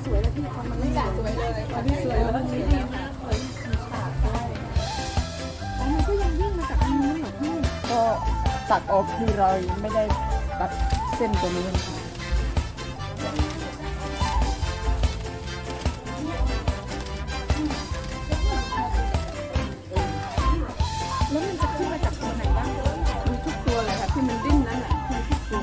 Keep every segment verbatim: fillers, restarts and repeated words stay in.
สวยเลยพี่ตอนมันไม่สวยเลยตอนที่สวยแล้วมันดีมากเลยมีฉากด้วยอ๋อมันก็ยังวิ่งมาจากตรงนู้นเหรอพี่ก็ตัดออกคือเราไม่ได้ตัดเส้นตัวนี้นะคะแล้วมันจะขึ้นมาจากตัวไหนบ้างมีทุกตัวเลยค่ะที่มันดิ้นนั่นแหละมีทุกตัว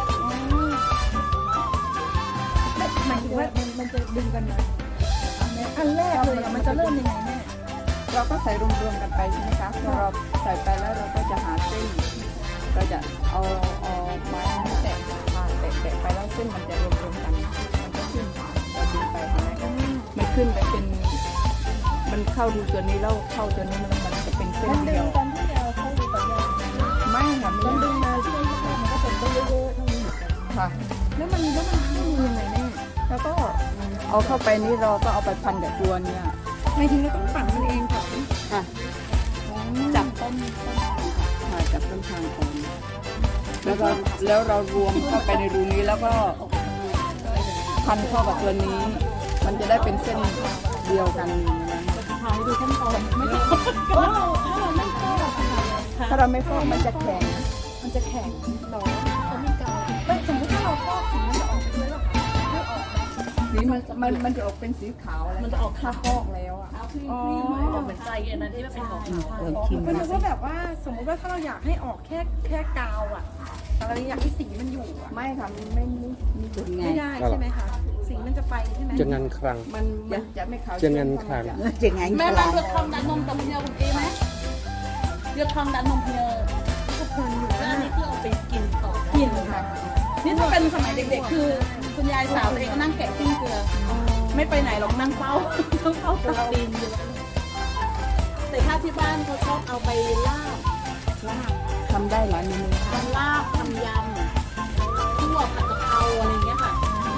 หมายถึงว่ามันมันจะดึงกันไหมอันแรกเลยอะมันจะเริ่มยังไงแม่เราก็ใส่รวมๆกันไปใช่ไหมคะพอเราใส่ไปแล้วเราก็จะหาเส้นเราจะเอาเอาไม้แตะผ่านแตะแตะไปแล้วเส้นมันจะรวมๆกันมันก็ขึ้นเราดึงไปเห็นไหมคะมันขึ้นไปเป็นมันเข้าดูตัวนี้แล้วเข้าตัวนี้มันมันจะเป็นเส้นมันดึเดียงวตอนที่เราเข้าดูต่อยางไม่ค่ะมันไม่ดึงมาช่วงแรกมันก็เป็นตัวเยอะๆเท่านี้เหมือนกันค่ะแล้วมันแล้วมันเข้ามือยังไงแม่แล้วก็เอาเข้าไปนี่เราก็เอาไปพันกับตัวเนี่ยหมายถึงเราต้องปั่นมันเองก่อนค่ะจับต้นต้นถ่ายจากต้นทางก่อนแล้วก็แล้วเรารวมเข้าไปในรูนี้แล้วก็พันเข้ากับตัวนี้ มันจะได้เป็นเส้นเดียวกันอย่างนั้นถ่ายดูขั้นตอนไม่ต้องถ้าเราถ้าเราไม่ฟอกค่ะถ้าเราไม่ฟอกมันจะแข็งมันจะแข็งหรอเขาไม่เกาไม่สมมติถ้าเราฟอกสีมันจะออกเป็นเลือดไม่ออกสีมันมันมันจะออกเป็นสีขาวอะไรมันจะออกถ้าฟอกแล้วอ่ะอ๋อออกเหมือนใจอันนั้นที่มันเป็นของขาวเออชิมก็นึกว่าแบบว่าสมมติว่าถ้าเราอยากให้ออกแค่แค่กาวอ่ะแต่เราอยากให้สีมันอยู่อ่ะไม่ค่ะมันไม่ไม่ไม่ถึงไงไม่ได้ใช่ไหมคะสีมันจะไปใช่ไหมจะงันครั้งมันมันจะไม่ขาวจะเงินครั้งจะไงแม่แม่เลือกทองดันนมกับเพเนลคุณเอไหมเลือกทองดันนมเพเนลก็เพลินอยู่แล้วนะอันนี้คือเอาไปกินต่อกินค่ะนี่ถ้าเป็นสมัยเด็กๆ คือคุณยายสาวตัวเองก็นั่งแกะปิ้งเกลือ ไม่ไปไหนหรอกนั่งเฝ้าต้องเฝ้าตักตีนอยู่แต่ถ้าที่บ้านเขาชอบเอาไปลาบลาบทำได้หลายเมนูทำลาบทำยำทั่วผัดกะเพราอะไรอย่างเงี้ยค่ะ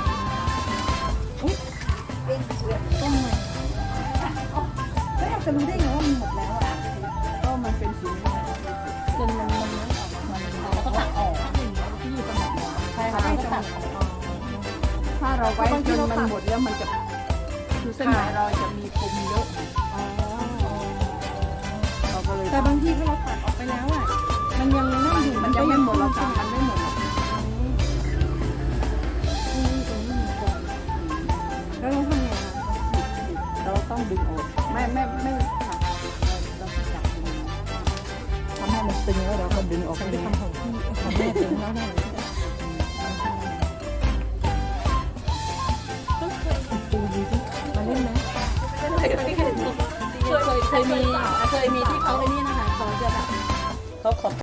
ต้มเลยแล้วอยากจะรู้ได้ไงว่ามันหมดแล้วอ่ะก็มันเป็นสีนี้จนมันมันไม่ออกมามันแล้วก็ตักออกที่อยู่ตรงไหนใช่ค่ะแล้วก็ตักออกถ้าเราไว้จนมันหมดแล้วมันจะคือเส้นไหนเราจะมีคมเยอะเราก็เลยแต่บางทีถ้าเราตัดออกไปแล้วอ่ะมันยังนั่งอยู่มันยังไม่หมดเราทำมันไม่หมดหรอกแล้วเราทำไงคะเราต้องดึงออกไม่ไม่ไม่ค่ะเราต้องจับดึงทำให้มันตึงแล้วเราก็ดึงออกฉันเลไปยทำของพี่ของแม่เองแล้วได้เลยมาเล่นไหมเคยเคยเคยมีเคยมีที่เขาไอ้นี่นะคะเขาจะแบบเขาขอ